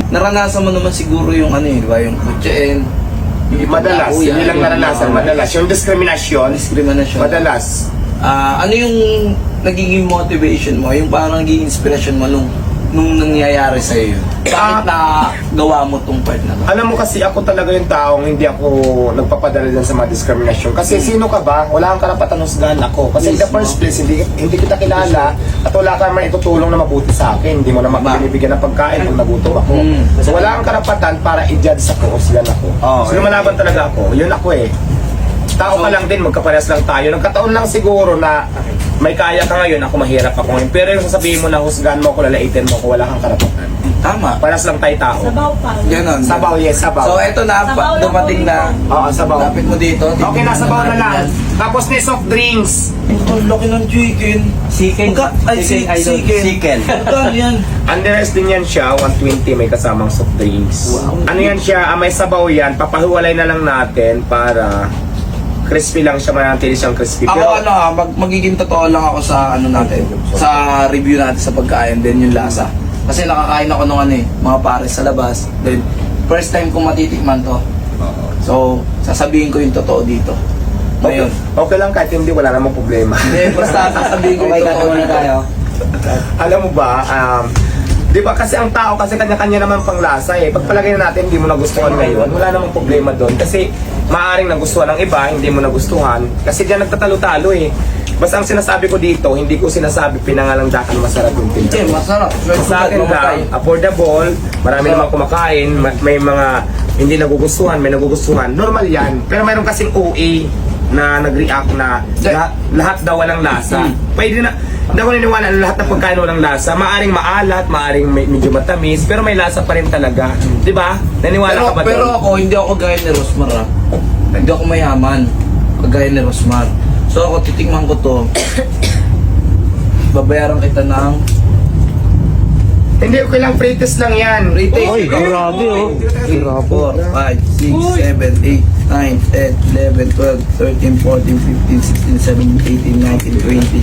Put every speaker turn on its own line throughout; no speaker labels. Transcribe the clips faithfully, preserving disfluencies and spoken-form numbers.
naranasan mo naman siguro yung ano eh, di ba? Yung kutsain.
Madalas, hindi lang naranasan, madalas. Yung diskriminasyon,
Diskriminasyon.
madalas.
Ah, ano yung nagiging motivation mo? Yung parang naging inspiration mo nung nung nangyayari sa iyo? Bakit na gawa mo tong part na to?
Alam mo kasi ako talaga yung taong hindi ako nagpapadala din sa mga diskriminasyon. Kasi sino ka ba? Wala kang karapatan husgahan ako. Kasi in the first place, hindi, hindi kita kilala at wala ka naman itutulong na mabuti sa akin. Hindi mo naman binibigyan ng pagkain kung nagutom ako.
Mm.
So wala kang karapatan para i-judge ako, husgahan ako.
Oh,
so lumalaban talaga ako. Yun ako eh. Tao ka lang din, magkaparehas lang tayo. Nagkataon lang siguro na may kaya ka ngayon, ako mahirap ako ngayon. Pero yung sasabihin mo na husgahan mo ako, lalaitin mo ako, wala kang karapatan.
Tama.
Parehas lang tayo tao.
Sabaw pa.
Ganon.
Sabaw, yes, sabaw.
So eto na,
Sabaw
pa,
lang
dumating
po
na.
Oo, sabaw.
Lapit mo dito.
Okay, nasa bawa na lang. Tapos ni soft drinks.
Ang laki ng chicken.
Chicken.
Magka- Ay,
Chicken,
si-
idol.
chicken.
Chicken.
Magkano yan?
Underice din yan siya, one twenty may kasamang soft drinks.
Wow.
Ano yan siya, ah, may sabaw yan, papahiwalay na lang natin para crispy lang siya, manatili siyang crispy.
Ako ano ha, mag magiging totoo lang ako sa ano natin, sa review natin sa pagkain, then yung lasa. Kasi nakakain ako nung ano eh, mga pares sa labas. Then, first time ko matitikman to. So, sasabihin ko yung totoo dito.
okay,
Ngayon.
okay lang kahit hindi, wala namang problema.
Hindi, basta sasabihin ko
Okay,
yung totoo
katuwa na
dito.
tayo.
Alam mo ba, um, di ba kasi ang tao kasi kanya-kanya naman pang lasa eh. Pagpalagay na natin hindi mo nagustuhan ngayon, wala namang problema doon. Kasi maaring nagustuhan ng iba, hindi mo nagustuhan. Kasi diyan nagtatalo-talo eh. Basta ang sinasabi ko dito, hindi ko sinasabi pinangalandakan masarap yung
Che,
tindahan.
masarap.
Sa akin lang, affordable, marami namang kumakain, ma- may mga hindi nagugustuhan, may nagugustuhan. Normal yan. Pero mayroon kasing O A na nag-react na lahat, lahat daw walang lasa. Pwede na, hindi ako niniwala na lahat ng pagkain walang lasa. Maaring maalat, maaring may, medyo matamis, pero may lasa pa rin talaga. Di ba? Naniwala
Pero,
ka ba
pero
doon?
ako, hindi ako gaya ni Rosmar ha. Hindi ako mayaman. Kagaya ni Rosmar. So ako, titikman ko to. Babayaran kita ng
Hindi, okay lang, free test lang yan.
retake.
Oy, grabe oh.
four, five, six, seven, eight, nine, ten, eleven, twelve, thirteen, fourteen, fifteen, sixteen, seventeen, eighteen, nineteen, twenty.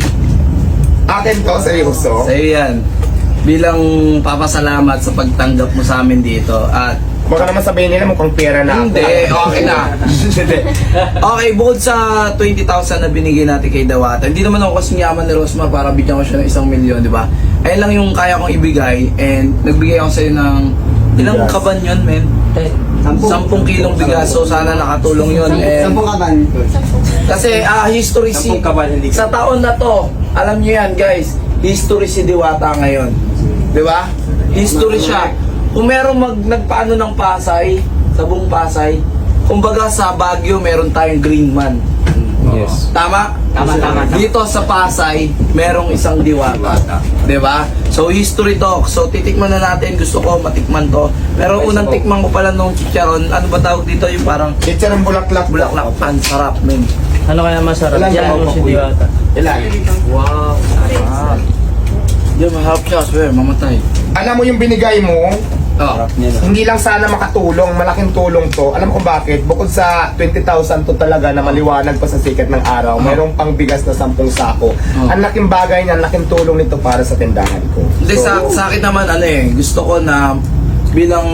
Akin to, seryoso.
Sa'yo yan. Bilang papasalamat sa pagtanggap mo sa amin dito. At
Baka naman sabihin nila mukhang pera na ako.
hindi, okay na.
Hindi.
Okay, bukod sa twenty thousand na binigay natin kay Dawata, hindi naman ako kasing yaman ni Rosmar para bigyan ko siya ng isang milyon, di ba? Ayun lang yung kaya kong ibigay and nagbigay ako sa'yo ng ilang
Bigas.
kaban yun, men? Sampung kilong bigas, so sana nakatulong yun. And
Sampung kaban.
kasi ah history si
Sampung kaban, hindi
sa taon na to, alam niyo yan guys, history si Diwata ngayon. Di ba? History siya. Kung meron mag nagpaano ng Pasay, sa buong Pasay, kumbaga sa Baguio meron tayong green man.
Yes.
Tama?
Tama, tama, tama.
Dito sa Pasay, merong isang Diwata. Di ba? So, history to. So, titikman na natin. Gusto ko matikman to. Pero unang tikman ko pala nung chicharon, ano ba tawag dito? Yung parang
Chicharon bulaklak.
bulaklak pan. Sarap, men.
Ano kaya masarap?
Ilan
Yan
ba
mo
ako,
si
kuya?
Diwata.
Ilan?
Wow. Sarap. Di, maharap siya. Swear, mamatay.
Alam mo yung binigay mo,
Oh.
hindi lang sana makatulong, malaking tulong to. Alam mo kung bakit? Bukod sa twenty thousand to talaga na maliwanag pa sa sikat ng araw, mayroong pang bigas na sampung sako.
Oh.
Ang laking bagay niya, ang laking tulong nito para sa tindahan ko.
Hindi, sa, sa akin naman, ano eh, gusto ko na bilang,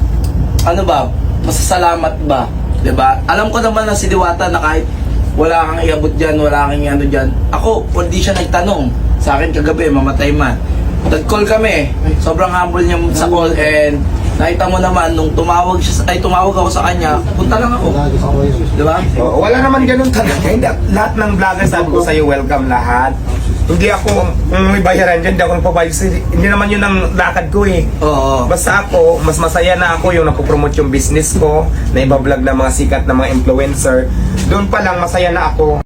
ano ba, masasalamat ba? Diba? Alam ko naman na si Diwata na kahit wala kang iabot dyan, wala kang ano dyan. Ako, hindi siya nagtanong. Sa akin kagabi, mamatay man. Nag-call kami. Sobrang humble niya sa call and nakita mo naman nung tumawag siya, ay tumawag ako sa kanya, punta lang ako. Diba?
Oo, wala naman ganun talaga. Hindi, lahat ng vloggers sabi ko sa'yo, welcome lahat. Hindi ako, kung may bayaran dyan, hindi ako nagpabayad. Hindi naman yun ang lakad ko eh.
Oo.
Basta ako, mas masaya na ako yung napopromote yung business ko, na ibablog ng mga sikat na mga influencer. Doon pa lang, masaya na ako.